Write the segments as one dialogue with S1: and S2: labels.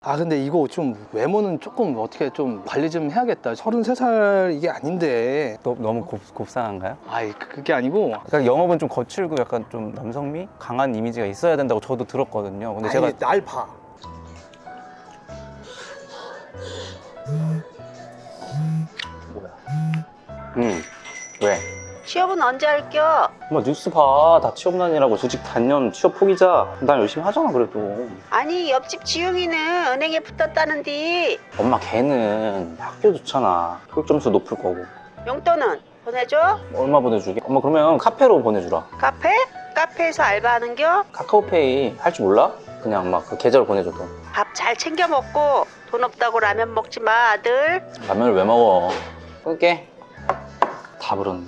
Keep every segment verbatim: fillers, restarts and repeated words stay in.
S1: 아 근데 이거 좀 외모는 조금 어떻게 좀 관리 좀 해야겠다. 서른세 살 이게 아닌데.
S2: 너, 너무 곱, 곱상한가요?
S1: 아이 그게 아니고.
S2: 그러니까 영업은 좀 거칠고 약간 좀 남성미? 강한 이미지가 있어야 된다고 저도 들었거든요. 근데
S1: 아니,
S2: 제가
S1: 날 봐. 뭐야?
S2: 음 왜?
S3: 취업은 언제 할겨?
S2: 엄마 뉴스 봐. 다 취업난이라고 조직 단년 취업 포기자. 난 열심히 하잖아 그래도.
S3: 아니 옆집 지웅이는 은행에 붙었다는디.
S2: 엄마 걔는 학교 좋잖아. 교육 점수 높을 거고.
S3: 용돈은 보내줘?
S2: 얼마 보내주게? 엄마 그러면 카페로 보내주라.
S3: 카페? 카페에서 알바하는겨?
S2: 카카오페이 할 줄 몰라? 그냥 막 그 계좌로 보내줘 돈.
S3: 밥 잘 챙겨 먹고 돈 없다고 라면 먹지 마 아들.
S2: 라면을 왜 먹어? 끊게. 다 불었네.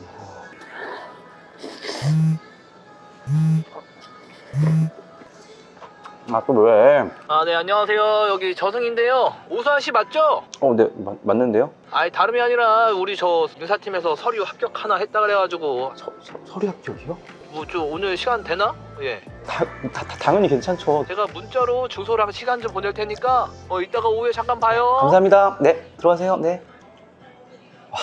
S2: 아 또 왜?
S4: 아, 네, 안녕하세요. 여기 저승인데요. 오수환 씨 맞죠?
S2: 어, 네 맞, 맞는데요?
S4: 아니, 다름이 아니라 우리 저 인사팀에서 서류 합격 하나 했다 그래가지고
S2: 서, 서, 서류 합격이요?
S4: 뭐 좀 오늘 시간 되나? 예.
S2: 다, 다, 다 당연히 괜찮죠.
S4: 제가 문자로 주소랑 시간 좀 보낼 테니까 어 이따가 오후에 잠깐 봐요.
S2: 감사합니다. 네, 들어가세요. 네. 와,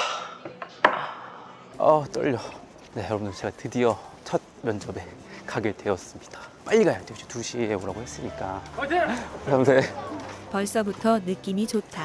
S2: 아 떨려. 네, 여러분들 제가 드디어 첫 면접에 가게 되었습니다. 빨리 가야 돼요. 두 시에 오라고 했으니까.
S4: 화이팅!
S2: 감사합니다.
S5: 벌써부터 느낌이 좋다.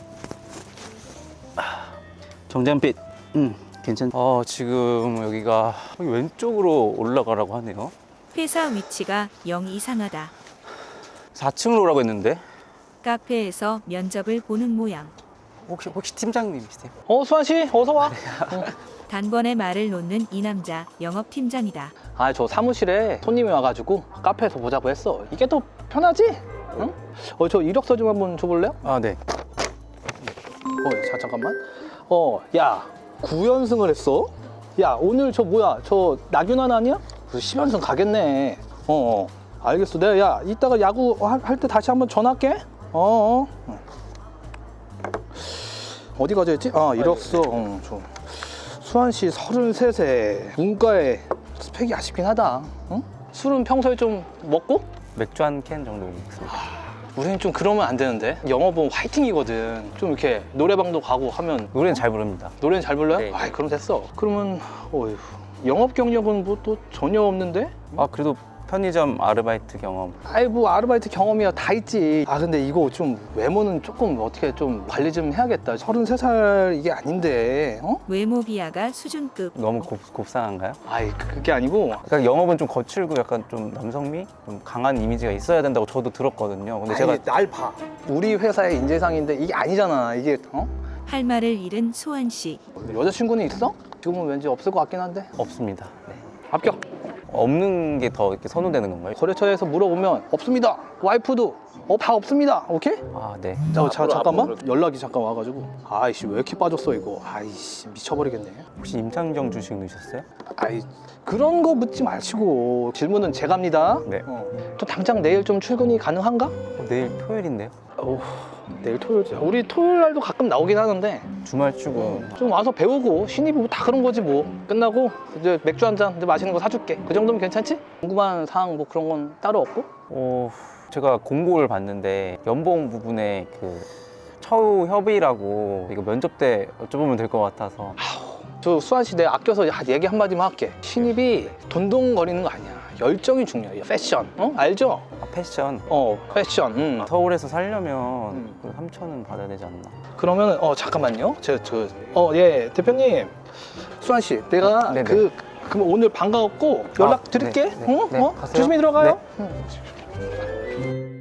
S2: 정장빛. 음, 괜찮. 어, 지금 여기가 여기 왼쪽으로 올라가라고 하네요.
S5: 회사 위치가 영 이상하다.
S2: 사 층으로 오라고 했는데.
S5: 카페에서 면접을 보는 모양.
S2: 혹시 혹시 팀장님이세요?
S1: 어 수환 씨 어서 와.
S5: 단번에 말을 놓는 이 남자 영업팀장이다.
S1: 아 저 사무실에 손님이 와가지고 카페에서 보자고 했어. 이게 더 편하지? 응? 어 저 이력서 좀 한번 줘볼래요?
S2: 아, 네.
S1: 어, 자 잠깐만. 어, 야 구 연승을 했어? 야 오늘 저 뭐야? 저 나균환 아니야? 그 십 연승 가겠네. 어, 어. 알겠어. 내가 야 이따가 야구 할 때 다시 한번 전화할게. 어. 어. 어디 가져 있지? 아 이력서. 어, 저 수환 씨 서른세 세. 문과에 스펙이 아쉽긴 하다. 응? 술은 평소에 좀 먹고?
S2: 맥주 한 캔 정도 먹습니다.
S1: 우리는 좀 그러면 안 되는데. 영업은 화이팅이거든. 좀 이렇게 노래방도 가고 하면
S2: 노래는 잘 부릅니다.
S1: 노래는 잘 불러요?
S2: 네.
S1: 아이 그럼 됐어. 그러면 어휴, 영업 경력은 뭐 또 전혀 없는데?
S2: 아, 그래도 편의점 아르바이트 경험.
S1: 아이 뭐 아르바이트 경험이야 다 있지. 아 근데 이거 좀 외모는 조금 어떻게 좀 관리 좀 해야겠다. 서른세 살 이게 아닌데. 어?
S5: 외모 비하가 수준급.
S2: 너무 곱, 곱상한가요?
S1: 아이 그게 아니고.
S2: 그러니까 영업은 좀 거칠고 약간 좀 남성미? 좀 강한 이미지가 있어야 된다고 저도 들었거든요. 근데 제가
S1: 아니, 날 봐. 우리 회사의 인재상인데 이게 아니잖아. 이게 어?
S5: 할 말을 잃은 소환 씨.
S1: 여자친구는 있어? 지금은 왠지 없을 것 같긴 한데.
S2: 없습니다. 네.
S1: 합격.
S2: 없는 게 더 이렇게 선호되는 건가요?
S1: 거래처에서 물어보면 없습니다. 와이프도 어, 다 없습니다. 오케이?
S2: 아, 네.
S1: 자, 자 잠깐만 연락이 잠깐 와가지고 아이씨 왜 이렇게 빠졌어 이거. 아이씨 미쳐버리겠네.
S2: 혹시 임창정 주식 넣으셨어요?
S1: 아이 그런 거 묻지 마시고 질문은 제가 합니다.
S2: 네.
S1: 어. 또 당장 내일 좀 출근이 가능한가?
S2: 어, 내일 토요일인데요?
S1: 어, 내일 토요일 우리 토요일 날도 가끔 나오긴 하는데
S2: 주말 출근.
S1: 좀 와서 배우고 신입이 뭐 다 그런 거지 뭐. 끝나고 이제 맥주 한 잔 마시는 거 사줄게. 그 정도면 괜찮지? 궁금한 사항 뭐 그런 건 따로 없고?
S2: 어, 제가 공고를 봤는데 연봉 부분에 그 처우 협의라고 이거 면접 때 여쭤보면 될 것 같아서.
S1: 저 수환 씨 내가 아껴서 얘기 한마디만 할게. 신입이 돈동거리는 거 아니야. 열정이 중요해. 패션. 어? 알죠?
S2: 아, 패션.
S1: 어, 패션. 음.
S2: 서울에서 살려면
S1: 음.
S2: 그 삼천은 받아야 되지 않나?
S1: 그러면 어 잠깐만요. 제가 저 어 예 대표님 수환 씨 내가
S2: 네네.
S1: 그 그럼 오늘 반가웠고 연락
S2: 아,
S1: 드릴게.
S2: 네, 네.
S1: 어?
S2: 네,
S1: 어?
S2: 가세요.
S1: 조심히 들어가요.
S2: 네.
S1: 응.